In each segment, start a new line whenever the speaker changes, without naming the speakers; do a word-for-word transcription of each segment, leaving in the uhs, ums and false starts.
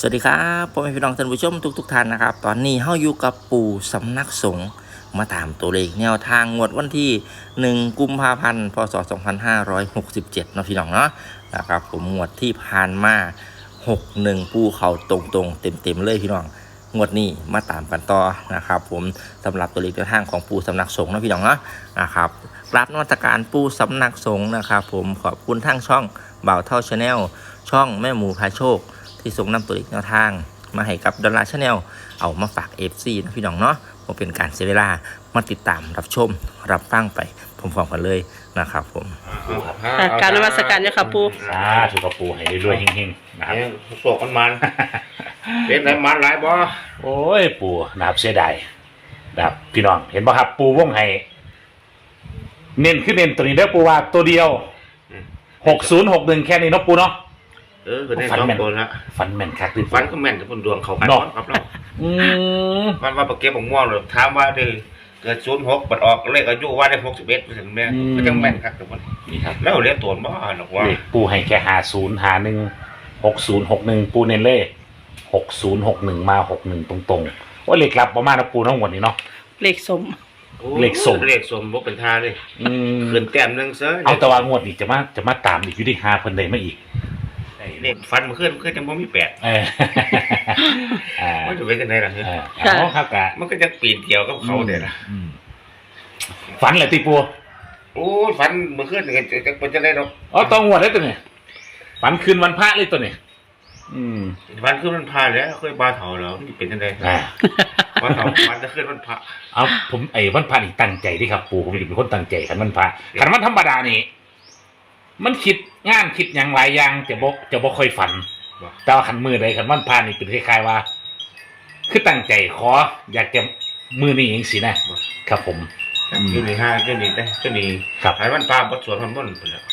สวัสดีครับพ่อแม่พี่น้องท่านผู้ชมทุกทุกท่านนะครับตอนนี้เฮาอยู่กับปู่สำนักสงฆ์มาตามตัวเลขแนวทางงวดวันที่หนึ่งกุมภาพันธ์พศสองพันห้าร้อยหกสิบเจ็ดเนาะพี่น้องเนาะนะครับผมงวดที่ผ่านมาหกหนึ่งปู่เขาตรงๆเต็มๆเลยพี่น้องงวดนี้มาตามกันต่อนะครับผมสำหรับตัวเลขแนวทางของปู่สำนักสงฆ์เนาะพี่น้องเนาะนะครับกราบนมัสการปู่สำนักสงฆ์นะครับผมขอบคุณทั้งช่องบ่าวเท่าชาแนลช่องแม่หมูพาโชคที่ส่งนำตัวเลขแนวทางมาให้กับดอลลาร์ชาแนลเอามาฝาก เอฟ ซี นะพี่น้องเนาะผมเป็นการเสียเวลามาติดตามรับชมรับฟังไปพร้อมๆกันเลยนะครับผม
ค่ะการนมัสการเนี่ยค่ะปู
สาธุกับปูให้รวยๆเฮงๆนะครับ
โศกมันมันเป็นไหนมันหลายบ่
โอ้ยปูนะครับเสียดายนะครับพี่น้องเห็นป่ะครับปูวงให้เน้นขึ้นเน้นตัวนี้เด้อปูว่าตัวเดียวหกศูนย์หกหนึ่งแค่นี้เนาะปูเนาะ
เออคือได้สองตัวละ
ฟันแม่นคักดิ
ฟันก็แม่นแต่คนดวงเขากัน
เนาะ
ครับเรา
อืม
มันว่าปากเก็บของม่วงเลยถามว่าได้เกิดศูนย์หกบัดออกเลขอายุว่าได้หกสิบเอ็ดถึงแม่ก็จังแม่นครับทุกคน
นี่ครับ
แล้วเรียกตัวบ่หรอกว่า
เลขปูให้แค่หาศูนย์หาหนึ่งหกศูนย์หกหนึ่งปูเน้นเล่หกศูนย์หกหนึ่งมาหกหนึ่งตรงๆว่าเลขลับประมาณนะปูทั้งหมดนี้เนาะ
เลขสม
เลขสม
เลขสมบ่เป็นท่าเลย
อืม
ขึ้นแต้มหนึงเสือ
เอาแตะวางวดอีกจะมาจะมาตามอีกอยู่ที่หาเพิ่นได้มาอีก
เลขฟันมันขึ้นมันขึ้นจังบ่มีแปด
เออ อ่า
มันจะเป็นจังไดล่ะ
เออเอาครับกะ
มันก็จะปีนเกี่ยวกับเขาเด้ล่ะ
อืมฝันเหรอตีปู
โอ้ฟันมันขึ้นจังจังเป็นจังได๋ดอก
อ๋อตองวดได้ตัวเนี่ยฝันคืนวันพระเลยตัวเนี่ยอืม
ฟันขึ้นมันพาแล้วเคยบาเฒ่าแล้วมันเป็นจังได๋
อ่า
วันเฒ่าฟันจะขึ้นมันพระ
เอาผมไอ้วันพระนี่ตั้งใจที่ครับ ปูผมจะเป็นคนตั้งใจขันวันพระขันวันธรรมดานี่มันคิดงานคิดอย่างหลายอย่างจะบอกจะบอกค่อยฝัน แต่ว่าขันมือใดขันวันพระนี่เป็นคล้ายๆว่า คือตั้งใจขอ อยากจะมือนี่เองสินะครับผม
ขึ้นนี่ห้าขึ้นนี่ได้ขึ้นนี่
ครับ
หายวันพาบทสวดมันม่นไปแล้ว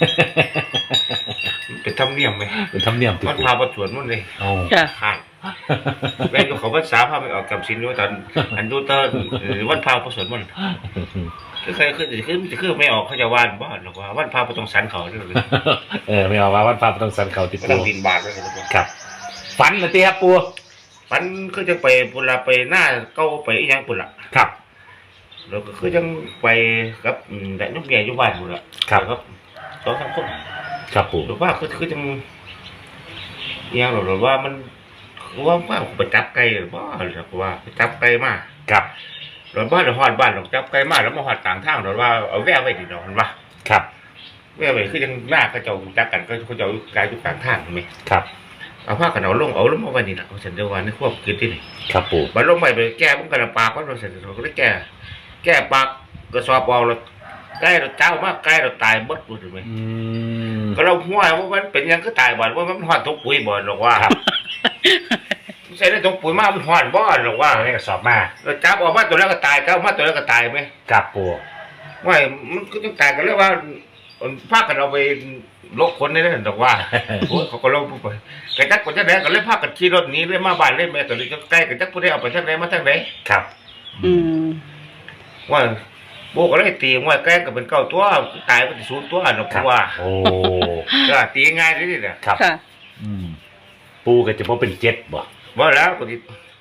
เป็นธรรมเนียมไหม
เป็นธรรมเนียมติ
วัน
ปู
พาบทสวดมันเลย
เอา
ค่ะ
หายแม่ก็เขาภาษาพาไปออกกับสินด้วยตอนอันดูเตอร์วันพาบทสวดมันคือใครขึ้นจะขึ้นจะขึ้นไม่ออกเขาจะว่านบ้านหรอกว่าวันพาบต้องสันเขาด้วย
เออไม่เอาว่าวันพระต้องสันเขาติด
ไม่
ปู
ต้องบินบาทเลย
ครับ ฝันเหรอตีครับปู
มันคือจะไปปุระไปหน้าเก้าไปอีกอย่างปุระ
ครับ
แล้วก็คือจังไปกับแต่นุ่มใหญ่อยู่บ้านปุระครับสองสามคน
ครับปู
หรือว่าคือคือจังเอียงหรือว่ามันว่าว่าไปจับไก่หรือว่าหรือว่าไปจับไก่มา
ครับ
หรือว่าหรือหอดบ้านหรือจับไก่มาแล้วมาหอดต่างทางหรือว่าเอาแว่ไว้ดีดอกมันว่า
ครับ
แว่ไว้คือจังหน้าเขาเจ้าจักกันก็เขาเจ้ากายอยู่ต่างทางไหม
ครับ
เอาผ้ากันเอาลงเอาลงมาไว้นี่แหละเขาเสร็จเดียววันนี้ควบคิดที่นี่
ครับปู
มันลงไปไปแก้มันกระปากมันเสร็จเราก็ได้แก้แก้ปากกระสอบเอาเราใกล้เราเจ้ามากใกล้เราตายบดรู้ไหม
อืม
ก็เราห้วยว่ามันเป็นยังก็ตายบ่อนว่ามันหอดทุกปุ๋ยบ่อนหรอกว่า
ครับ
ใส่ได้ทุกปุ๋ยมากมันหอดบ่อนหรอกว่า
เอาให้กระสอบมา
เราจับออกมาตัวแรกก็ตายจับออกมาตัวแรกก็ตายไหม
ครับปู
ว่ามันก็ต้องตายกันเลยว่าพากันเอาไปลกคนนี่นั่นหรอกว่าโอ้ยเขาก็ลงไปกระจักคนจะไหนก็เลยพากันขี่รถหนีเลยมาบ้านเลยแม่ตัวนี้ก็ใกล้กระจักผู้ใดเอาไปทางไหนมาทางไหน
ครับ
อืม
ว่าโบก็เลยตีว่าแกล้งก็เป็นเก้าตัวตายก็จะสูญตัวหรอก
ครับ
ว่า
โอ้
ก็ตีง่ายเลยนี่แหละ
ครับ
ค่ะ
อืมปูก็จะพอเป็นเจ็ดบ่
ว่าแล้วก็ติ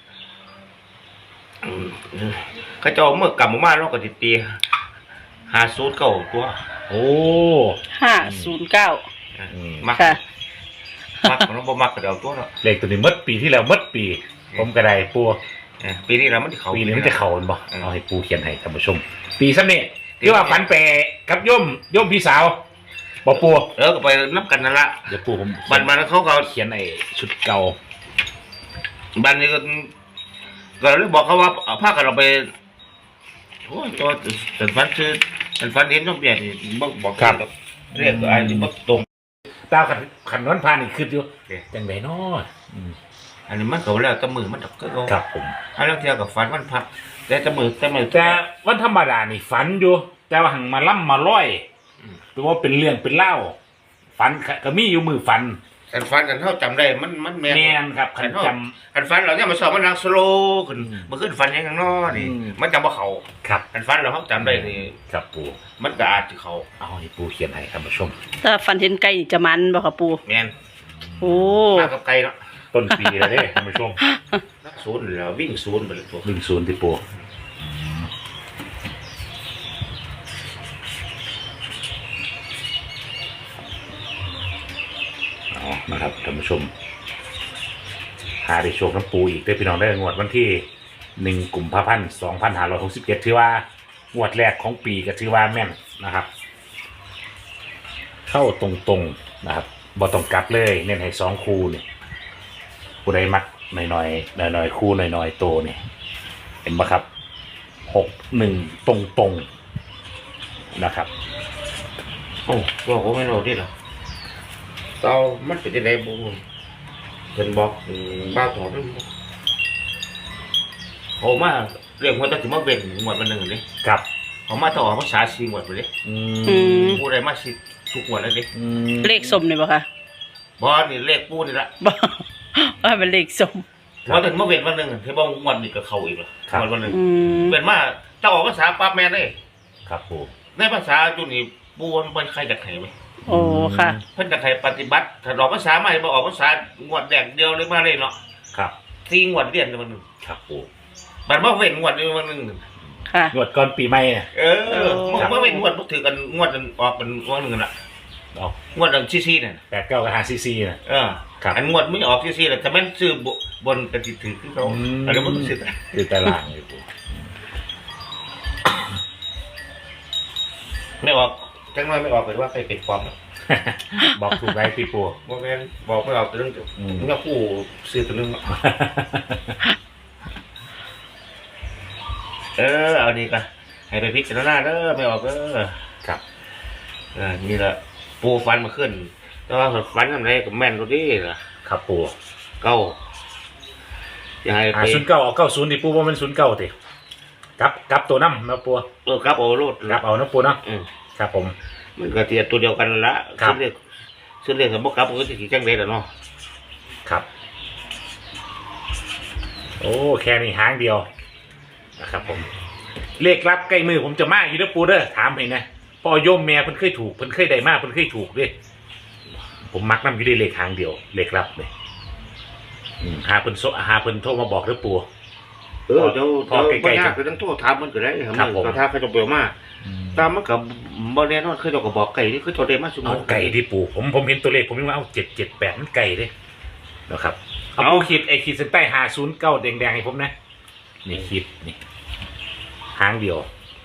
เขาจะเอาเมื่อกลับมาบ้านแล้วก็ติตีหาสูตรเก่าตัว
โอ้
ห้าศูนย์เก้า
อืม
มัก
ค่ะ
มักมันบ่มักก็เดาตัวเนาะ
เลขตัวนี้หมดปีที่แล้วหมดปี ผมก็ได้ปู
เออปีนี้เรามันเขา
ปีนี้มันจะเข่าบ่
อืม
เอาให้ปูเขียนให้ท่านผู้ชม ปีซ้ำนี่ที่ว่าฝันแปรกับย่อมย่อมพี่สาวบ่ปู
เออก็ไปนับกันนั่นละ
เดี๋ยวปูผม
บันมันเขาก็
เขียนไอ้ชุดเก่า
บันนี้ก็ก็เลยบอกเขาว่าเอาผ้ากันเราไปโอ้ยตัวแต่ฟันคือแต่ฟันเห็นต้องเปลี่ยนบอกบอกเรียกอะไรบอกตรง
ตาขันขันนวลพานี่คืออยู่
เอ๊ะ
จังไดเนาะอืม
อันนี้มันเขาแล้วแตะมือมันดอกก็เขา
ครับผม
อันนั้นเทียกับฟันมันพักแต่แตะมือแตะมือ
แต่วันธรรมดานี่ฝันอยู่ แต่ว่าหังมาล่ำมาร้อยตัวว่าเป็นเรื่องเป็นเล่าฝันก็มีอยู่มือฝัน
กันฟันกันเท่าจำได้มันมันแม่
แมนครับขันจ
กันฟันเราเนี่ยมันสอบมันรักสโลขึ้นมันขึ้นฟันยังไงน้อนี่
อืม
มันจำว่าเขา
ำครับ
กันฟันเราเขาจำได้นี่
ครับปู
มันก็อาจจะเขา
เอาให้ปูเขียนให้ท่านผู้ชม
ถ้าฟันเห็นไก่จะมันบ่ค่ะปู
แม่น
โอ้
มากับไก่เนาะ
ต้นปีแล้วเด้ท่านผู้ชม
นักศูนย์แล้ววิ่งศูนย์ไปเลยตัว
วิ่งศูนย์ที่ปูอ๋อนะครับท่านผู้ชมหาได้โชคน้ำปูอีกได้พี่น้องได้งวดวันที่หนึ่งกุมภาพันธ์สองพันห้าร้อยหกสิบเจ็ดถือว่างวดแรกของปีก็ถือว่าแม่นนะครับ เข้าตรงๆนะครับบ่ต้องกลับเลยเน้นให้สองคู่นี่ผู้ใดมักหน่อยๆหน่อยๆคู่หน่อยๆโตนี่เห็นปะครับหกหนึ่งตรงๆนะครับ
โอ้บอกว่าไม่รู้ดิหรอเตามันเป็นยังไงบุ้งเป็นบอกบ้าถอนเขามาเรื่องว่าจะถึงมาเบ่งหมวดมันหนึ่งเลย
ครับ
เขามาต่อภาษาซีหมวดไปเลย
อื
อื
ม
ม
ผู้ใดมาสิทุกหมวดเลยดิ
อืม
เลขสมเลยปะคะ
บอนี่เลขปูนี่ละ
บ่ว่าเป็นเลขสม
พอถึงมาเบ่งวันหนึ่งเทบอกหมวดนี่ก็เขาอีกแล้วหมวดวันหนึ่ง
อืม
เป็นมาถ้าออกภาษาปั๊บแม่เลย
ครับปู
ในภาษาจุนี่ปูมันเป็นใครจากไหนไหม
โอ้ค่ะ
เพิ่นจากใครปฏิบัติถ้าออกภาษาใหม่บ่ออกภาษาหมวดแดกเดียวเลยมาเลยเนาะ
ครับ
สี่หมวดเรียนวันหนึ่ง
ครับปู
บัดมาเว้นหมวดนึงวันหนึ่ง
ค่ะ
งวดก่อนปีใหม่เนี่ย
เออมันมาเว้นหมวดบ่ถือกันงวดนั้นออกเป็นวันหนึ่งน่ะ
ออก
งวดนั้นซีๆนั่น
แปดเก้ากับห้าซีซีนะ
เออ
ครับ
อันงวดไม่ออกซีๆน่ะแต่แม่นซื้อบนกันสิถือคือเขา
อืม
อะไรบ่ต้องซื้อ
คือตารางเลยปู
ไม่ออกจังน้อยไม่ออกเป็นว่าใครเป็นความ
บอกถูกไรพี่ปู
บ่แม่นบอกไม่ออกเรื่อง
อืม
เงาผู้ซื้อตัวนึงเออเอาดีกันให้ไปพิจารณาเด้อไม่ออกเด้อ
ครับ
อ่านี่แหละปูฟันมาขึ้นแต่ว่าฟันทำไรกับแม่นตัวนี้ล่ะ
ครับปู
เก้าอย่าให้
อ่า
ไป
ศูนย์เก้าเอาเก้าศูนย์ที่ปูว่ามันศูนย์เก้าติกลับกลับตัวน้ำนะปู
เออครับโอ้โลด
กลับเอานะปูเนาะ
อืม
ครับผม
มันก็เทียบตัวเดียวกันละ
ครับ
ซึ่งเรียกซึ่งเรียกสมบูรณ์ครับมันก็จะขี่จังเลยแหละเนาะ
ครับ โอ้แค่นี้หางเดียวนะครับผมเลขรับใกล้มือผมจะมาอยู่นะปูเด้อถามให้นะพ่อโยมแม่เพิ่นเคยถูกเพิ่นเคยได้มากเพิ่นเคยถูกด้วยผมมักนำอยู่ในเลขหางเดียวเลขรับเลยอืมหาเพิ่นโซหาเพิ่นโทรมาบอกเด้อปู
เออเดี๋ยว
พอ
เดี๋ยว
ใกล้ๆ
ไม่ยากคือต้องโทษถามมันก็ได้ครับ
ครับผม
ก็ถ้าเขาจะเปลี่ยนมาตามมันกับบอลแน่นอนคือเราก็บอกไก่ที่คือโทษได้มาสมม
เอา
ติ
ไก่ที่ปูผมผมเห็นตัวเลขผมยังว่าเอาเจ็ดเจ็ดแปดมันไก่เด้นะครับเอา
เอา
ปูขีดไอขีดเส้นใต้หาศูนย์เก้าแดงๆให้ผมนะนี่ขีดนี่หางเดียว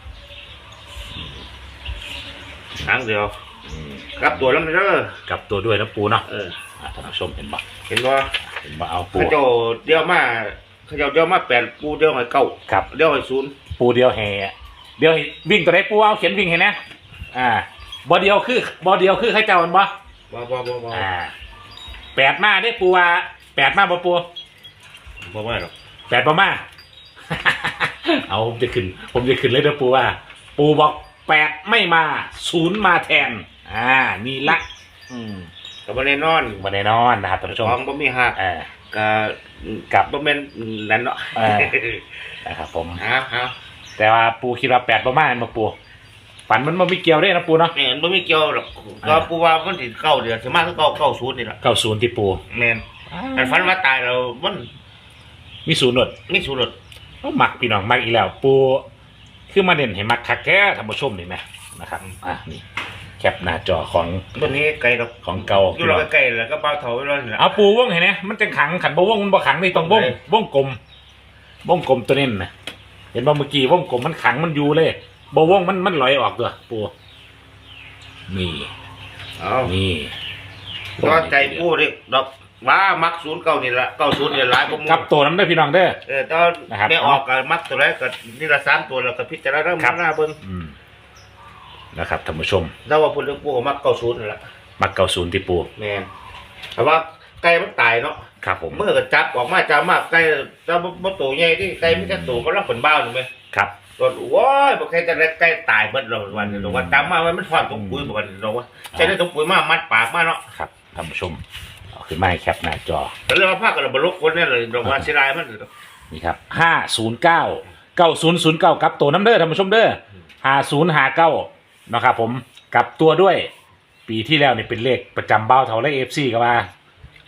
ครั้งเดียว
อืม
กลับตัวแล้วมันเด้อก
ลับตัวด้วยนะปูเนาะ
เออ
อ่ะท่านผู้ชมเห็นบ่
เห็นว่า
เห็นบ่เอาปู
เขาเจ้าเดียวมาเขาเจ้าเดียวมาแปดปูเดียวให้เก้า
ครับ
เดียวให้ศูนย์
ปูเดียวแห่เดียวให้วิ่งตัวไหนปูเอาเขียนวิ่งเห็นนะอ่าบอเดียวคือบอเดียวคือใครเจ้ามันบ่
ว้าวว้าวว้าว
อ่าแปดมาได้ปูว่าแปดมาบ่ปู
บ่ไม่หรอก
แปดบ่มา เอาผมจะขึ้น ผมจะขึ้นเลยนะปูว่า ปูบอกแปดไม่มาศูนย์มาแทน อ่านี่ละอืม
กับบ่แน่นอน
มาแน่นอนนะครับท่านผู้ชม
ของบ่มีหัก
อ่า
กับ
กับ
บ่แม่นนั่นเนาะ
เออ นะครับผม
ฮะฮะ
แต่ว่าปูคิดว่าแปดบ่มามาปูฝันมันบ่มีเกี่ยวได้นะปูเนาะ
เนี่ยมันบ่มีเกี่ยวหรอกก็ปูว่ามันสิเก้าเดือนสิมาคือเก้าเก้าศูนย์นี่ล่ะ
เก้าศูนย์ที่ปู
แม่นอันฝันว่าตายเรามัน
มีศูนย์หนด
มีศูนย์หรอก
ก็มักพี่น้องมักอีกแล้ว ปูคือมาเด่นให้มักคักแท้ท่านผู้ชมนี่ไหมนะครับอ่ะนี่แคปหน้าจอของ
ตัวนี้ไกลดอก
ของเก่า
อยู่เราใกล้ๆแล้วก็เบาเท่าไว้แล้วนี่ล่ะ
เอาปูวงเห็นไหมมันจะขังขันบ่วงมันบ่ขังนี่ต้องวงวงกลมวงกลมตัวนี้นะเห็นบ่เมื่อกี้วงกลมมันขังมันอยู่เลยบ่วงมันมันลอยออกตัวปูนี่
เอา
นี่
ก็ใจปูเด้ดอกว่ามักศูนย์เก้านี่ล่ะเก้าศูนย์นี่หลายกว่าหมู่
กับตัวน้ำได้อพี่น้องเด้อ
เออตอน
นะครับ
ได้ออกก็มักตัวแรกก็นี่ละสามตัวแล้วก็พิจารณา
ครับ
หน้าเบิ่ง
อืมนะครับท่านผู้ชม
แล้วว่าพูดเรื่องปูก็มักเก้าศูนย์นั่นล่ะ
มักเก้าศูนย์ที่ปู
แม่นแต่ว่าไก่มันตายเนาะ
ครับผม
เมื่อก็จับออกมาจับมาไก่จับบ่โตใหญ่ที่ไก่มีแต่โตก็รับผลบ้าวถูกมั้ย
ครับ
ก็โว้ยบ่เคยจะได้ไก่ตายเบิดแล้ววันนี้ว่าจับมามันฟาดตรงปุ๋ยบ่วันนี้ว่าใช้ได้ตรงปุ๋ยมามัดปากมาเนาะ
ครับท่านผู้ชมเอาขึ้นมาให้แคปหน้าจอ
ก็เลยว่าพากันบ่ลกคนนี่เลยดอกว่าเสียดายมัน
นี่ครับห้าศูนย์เก้าเก้าศูนย์ศูนย์เก้ากับตัวน้ำเด้อท่านผู้ชมเด้อห้าศูนย์ห้าเก้านะครับผมกับตัวด้วย ปีที่แล้วนี่เป็นเลขประจำเบ้าเท่าไรเอฟซีก็ว่า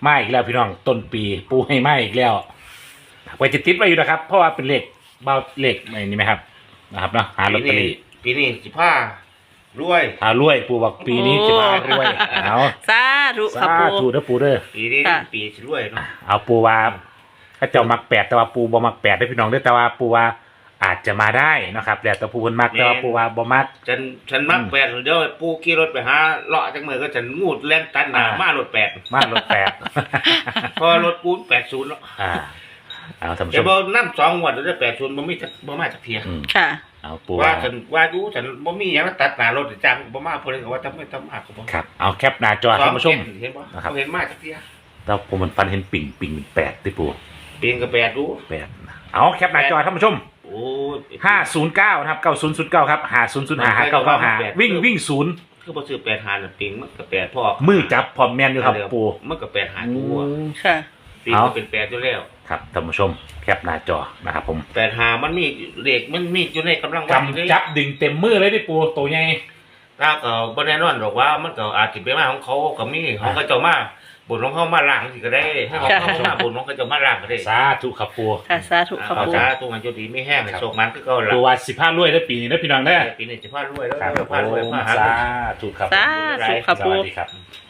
มาอีกแล้วพี่น้องต้นปีปูให้มาอีกแล้วไว้จะติดไว้อยู่นะครับ เพราะว่าเป็นเลขเบาเลขอะไรนี่ไหมครับนะครับเนาะหาลอตเตอรี่
ปีนี้สิผ้ารวย
หารวยปูบอกปีนี้จะมารวยเอา
สาธุค่ะ
สา
ปู
ธุเด้อปูเด้อ
ปีนี้
ค่ะ
ปีสิรวยเนาะ
เอาปูว่าถ้าเจ้ามักแปดแต่ว่าปูบ่มักแปดได้อพี่น้องเด้อแต่ว่าปูว่าอาจจะมาได้นะครับแล้วแต่ปูเพิ่นมักแต่ว่าปูว่าบ่มัก
ฉันฉันมัก
อืม
แปดเดี๋ยวปูขี่รถไปหาเลาะจังมือก็ฉันงูดแล่นตันหนา
อ่าม
มารถแปด
มารถแปด
พอรถปูนแปดศูนย์แล้ว
อ่าเอาท่านผู้ช
แต่
ม
บ่นั่สองงวดแล้วแปดศูนย์บ่มีจักบ่มาจักเทีย
อืม
ค่ะ
เอาปู
ว่า
ว่า
ฉันว่าดูฉันบ่มีหยังมาตัดหน้ารถจังบ่มาเพิ่นก็ว่าทำไมทำมาก็บ่
ครับเอาแคปหน้าจอท่านผู้ชม
สองเห็นบ่
นะครับ
บ่เห็นมาจักเทีย
แล้วผมมันฟันเห็นปิ่งปิ่งเป็นแปดที่ปู
ปีนก็แปดดู
แปดเอาแคปหน้าจอท่านผู้ชม
โอ้ย
ห้าศูนย์เก้านะครับเก้าศูนย์ศูนย์เก้าครับหาศูนย์ศูนย์หาหาเก้าเก้าหาวิ่งวิ่งศูนย์
คือบ่ซื้อแปดหาน่ะปีนมันก็แปดพ่อ
มือจับพร้อมแมนอยู่ครับปู
มันก็แปดหาตัว
ค่ะ
ปีนก็เป็นแปดอยู่แล้ว
ครับท่านผู้ชมแคปหน้าจอนะครับผม
แปดหามันมีเลขมันมีอยู่ในกำลังวัดอยู่
กำ
เลย
จับดึงเต็มมือเลยที่ปูตัวใหญ่
ถ้าก็บ่แน่นอนหรอกว่ามันก็อาจสิเป็นมาของเขาก็มีของเขาเจ้ามาบุญของเขามาล้างสิก็ได้ให้ของเขามาบุญของเขาเจ้ามาล้างก็ได้
สาธุครับปู
ค่ะสาธุค่ะ
เอา
ปู
จ้าตัวมันจุดีไม่แห้งโชคมันคือเก่าล่ะ
ปูว่าสิบห้ารวยได้ปีนี้ได้อพี่น้องได้อ
ปีนี้จะพารวยแล้ว
ครับผ
พารวย
ม
มาหา
สาธุครับ
สาธุค่ะ
ส
ปู
วัสดีครับ